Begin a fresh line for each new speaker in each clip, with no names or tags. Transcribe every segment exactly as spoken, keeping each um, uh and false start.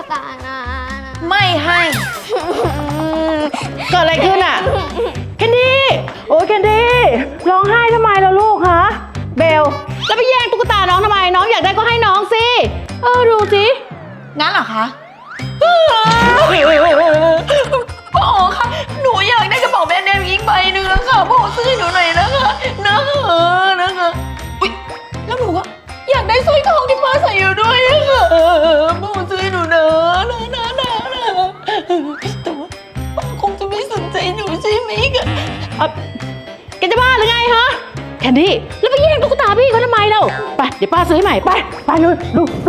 ตานะ
ไม่ให้
เกิดอะไรขึ้นอ่ะแคนดี้โอ้ยแคนดี้ร้องไห้ทำไมล่ะลูกฮะเบลแล้วไปแย่งตุ๊กตาน้องทำไมน้องอยากได้ก็ให้น้องสิเออดูสิ
งั้นเหรอคะพ่อคะหนูอยากได้กระเป๋าแบรนด์เนมอีกใบหนึ่งแล้วค่ะพ่อซื้อให้หนูหน่อยนะคะนะคะนะคะอุ๊ยแล้วหนูก็อยากได้สร้อยทองที่ป้าใส่อยู่ด้วยค่ะพ่อซื้อให้หนูนะนะนะนะนะแต่ว่าป้าคงจะไม่สนใจหนูใช่ไหมคะ
เอ่อแกจะบ้าหรือไงฮะแคนดี้แล้วไปแย่งตุ๊กตาพี่เขาทำไมเราไปเดี๋ยวป้าซื้อให้ใหม่ไปไปเลยดูดู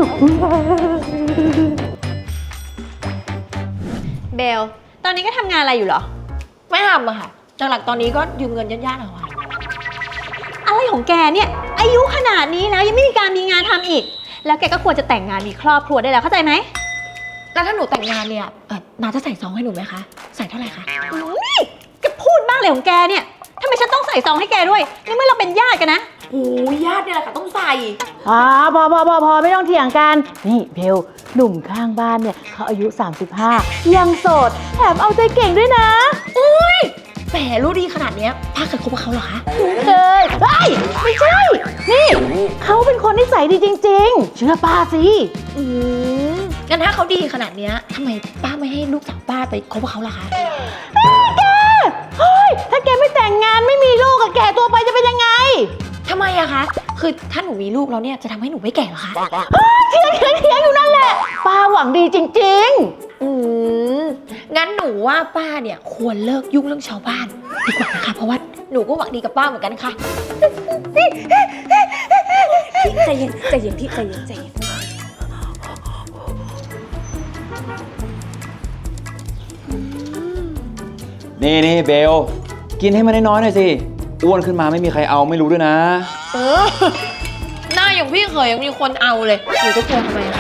เบลตอนนี้ก็ทำงานอะไรอยู่เหรอ
ไม่ทำอะค่ะหลักๆตอนนี้ก็ยืมเงินญาติๆเอาค่ะ
อะไรของแกเนี่ยอายุขนาดนี้แล้วยังไม่มีการมีงานทำอีกแล้วแกก็ควรจะแต่งงานมีครอบครัวได้แล้วเข้าใจไหม
แล้วถ้าหนูแต่งงานเนี่ยเออนาจะใส่ซองให้หนูไหมคะใส่เท่าไหร่คะ
อุ๊ยแกพูดบ้างเลยของแกเนี่ยทำไมฉันต้องใส่ซองให้แกด้วยในเมื่อเราเป็นญาติกันนะ
โอ้ยญาติเนี่ยแหละค่ะต้องใส่
อ่าพอพอพอพอไม่ต้องเถียงกันนี่เบลหนุ่มข้างบ้านเนี่ยเขาอายุสามสิบห้ายังโสดแถมเอาใจเก่งด้วยนะ
อุ้ยแหมรู้ดีขนาดเนี้ยป้าเคยคบกับเขาเหรอคะ
เคยเฮ้ยไม่ใช่ นี่เขาเป็นคนนิสัยดีจริงๆ เชื่อป้าสิ
อืมงั้นถ้าเขาดีขนาดเนี้ยทำไมป้าไม่ให้ลูกสาวป้าไปคบกับเขาล่ะคะ
แกเฮ้ยถ้าแกไม่แต่งงานไม่มีลูกกับแกตัวไปจะเป็นยังไง
ทำไมอะคะคือถ้าหนูมีลูกแล้วเนี่ยจะทำให้หนูไม่แก่เหรอคะ
เถียงเถียงเถียงอยู่นั่นแหละป้าหวังดีจริง
อืมงั้นหนูว่าป้าเนี่ยควรเลิกยุ่งเรื่องชาวบ้านดีกว่านะคะเพราะว่าหนูก็หวังดีกับป้าเหมือนกันค่ะ
ใจเย็นใจเย็นพี่ใจเย็นใจเย็น
นี่นี่เบลกินให้มันน้อยๆหน่อยสิอ้วนขึ้นมาไม่มีใครเอาไม่รู้ด้วยนะ
เออหน้าอย่างพี่เคยยังมีคนเอาเลยหนูจะกลัวทำไมคะ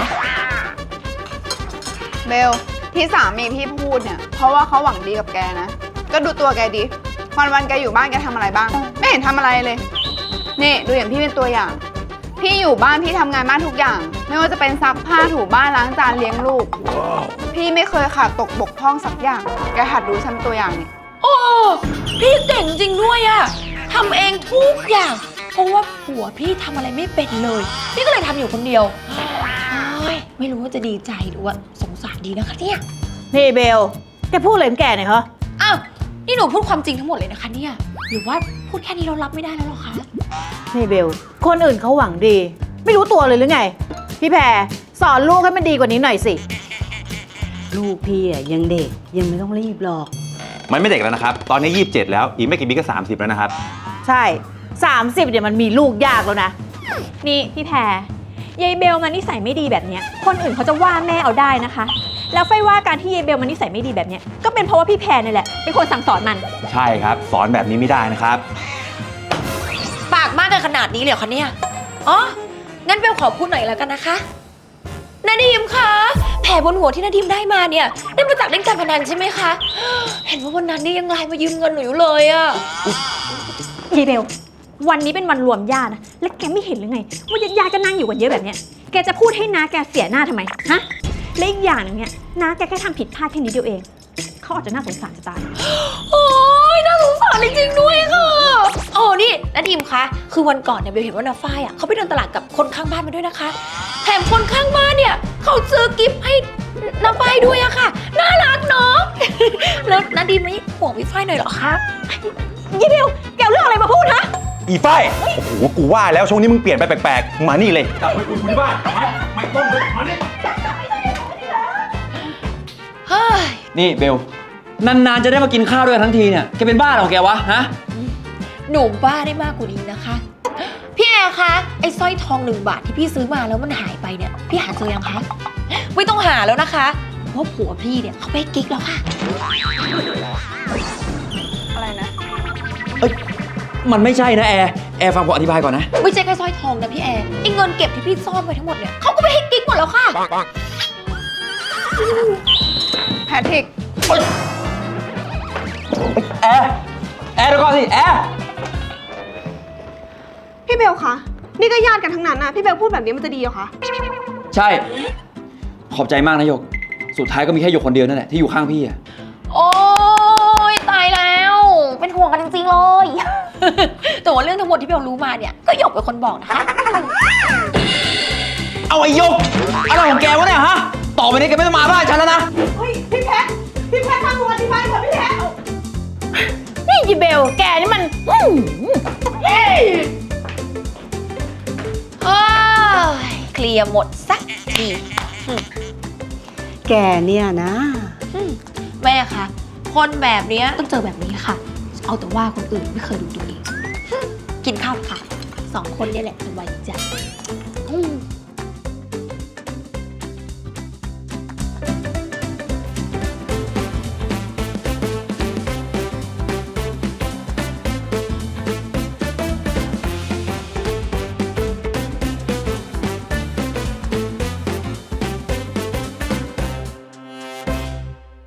เบลที่สามีพี่พูดเนี่ยเพราะว่าเขาหวังดีกับแกนะก็ดูตัวแกดิวันวันๆแกอยู่บ้านแกทำอะไรบ้างไม่เห็นทำอะไรเลยนี่ดูอย่างพี่เป็นตัวอย่างพี่อยู่บ้านพี่ทำงานบ้านทุกอย่างไม่ว่าจะเป็นซักผ้าถูบ้านล้างจานเลี้ยงลูก พี่ไม่เคยขาดตกบกพร่องสักอย่างแกหัดดูฉันตัวอย่างนี่
โอ้พี่เก่งจริงด้วยอะทำเองทุกอย่างเพราะว่าผัวพี่ทำอะไรไม่เป็นเลยพี่ก็เลยทำอยู่คนเดียวโอ้ยไม่รู้ว่าจะดีใจหรือว่าสงสารดีนะคะเนี่ย
ๆ นี่เบลแกพูดอะไรของแกเนี่ยเหรอ
อ้าวนี่หนูพูดความจริงทั้งหมดเลยนะคะเนี่ยหรือว่าพูดแค่นี้เรารับไม่ได้แล้วหรอคะ
นี่เบลคนอื่นเขาหวังดี ไม่รู้ตัวเลยหรือไง พี่แพรสอนลูกให้มันดีกว่านี้หน่อยสิ
ลูกพี่อ่ะยังเด็กยังไม่ต้องรีบหรอก
มันไม่เด็กแล้วนะครับตอนนี้ยี่สิบเจ็ดแล้วอีกไม่กี่ปีก็สามสิบแล้วนะครับ
ใช่สามสิบเนี่ยมันมีลูกยากแล้วนะ
นี่พี่แพรยายเบลมันนิสัยไม่ดีแบบเนี้ยคนอื่นเขาจะว่าแม่เอาได้นะคะ แล้วไฟว่าการที่ยายเบลมันนิสัยไม่ดีแบบเนี้ยก็เป็นเพราะว่าพี่แพรนี่แหละเป็นคนสั่งสอนมัน
ใช่ครับสอนแบบนี้ไม่ได้นะครับ
ปากมากกันขนาดนี้เลยเหรอคะเนี่ยอ๋องั้นเบลขอพูดหน่อยแล้วกันนะคะนาดีมคะแผลบนหัวที่นาดีมได้มาเนี่ยได้มาจากเล่นการพนันใช่ไหมคะเห็นว่าวันนั้นนี่ยังไลน์มายืมเงินหนูอยู่เลยอะ
ยายเบลวันนี้เป็นวันรวมญาตินะแล้วแกไม่เห็นหรือไงว่าญาติๆก็นั่งอยู่กันเยอะแบบเนี้ยแกจะพูดให้น้าแกเสียหน้าทำไมฮะและอีกอย่างหนึงเนี่ยน้าแกแค่ทำผิดพลาดแค่นิดเดียวเองเขาอาจจะน่าสงสารจะตาย
โอ้ยน่าสงสารจริงๆด้วยค่ะโอ้นี่นาดีมคะคือวันก่อนเนี่ยเบลเห็นว่านาฝ้ายอ่ะเขาไปเดินตลาดกับคนข้างบ้านมาด้วยนะคะแถมคนข้างบ้านเนี่ยเขาซื้อกิฟต์ให้นาฝ้ายด้วยอะค่ะน่ารักเนาะ แล้วนาดีมไม่ห่วงพี่ฝ้ายหน่อยเหรอคะ
ยี่เบลแกเอาเรื่องอะไรมาพูดฮะ
อีฝ้ายโอ้โหกูว่าแล้วช่วงนี้มึงเปลี่ยนไปแปลกๆมานี่เลยกลับไปคุยที่บ้านไม่ต้องเลยมานี่
เฮ้ย
นี่เบลนานๆจะได้มากินข้าวด้วยกันทั้งทีเนี่ยแกเป็นบ้าเหรอแกวะฮะ
หนูบ้าได้มากกว่านี้นะคะ พี่แอร์คะไอ้สร้อยทองหนึ่งบาทที่พี่ซื้อมาแล้วมันหายไปเนี่ยพี่หาเจอยังคะไม่ต้องหาแล้วนะคะเพราะผัวพี่เนี่ยเขาไปกิ๊กแล้วค่ะ
อะไรนะ
เอ้ยมันไม่ใช่นะแอร์แอร์ฟังผมอธิบายก่อนนะ
ไม่ใช่แค่สร้อยทองนะพี่แอร์ไอ้เงินเก็บที่พี่ซ่อนไว้ทั้งหมดเนี่ยเขาก็ไปให้กิ๊กหมดแล้วค่ะ
แพทริก
แอร์แอร์เดี๋ยวก่อนสิแอร์
พี่เบลคะนี่ก็ญาติกันทั้งนั้นนะพี่เบลพูดแบบนี้มันจะดีเหรอคะ
ใช่ขอบใจมากนะหยก
สุดท้ายก็มีแค่หยกคนเดียวนั่นแหละที่อยู่ข้างพี่อะ
โอ้ยตายแล้ว เป็นห่วงกันจริงๆเลย แต่ว่าเรื่องทั้งหมดที่เบลรู้มาเนี่ยก็หยกเป็นคนบอกนะคะ
เอาไอ้หยกอะไรของแกวะเนี่ยฮะ ต่อไปนี้แกไม่ต้องมาบ้านฉันแล้วนะ
นี่ยีเบล แกนี่มันอื้อหือ
เฮ้ยเคลียร์หมดสักที
แกเนี่ยนะ
แม่คะคนแบบเนี้ยต้องเจอแบบนี้ค่ะ เอาแต่ว่าคนอื่นไม่เคยดูตัวเอง กินข้าวค่ะ สองคนเนี่ยแหละสบายใจ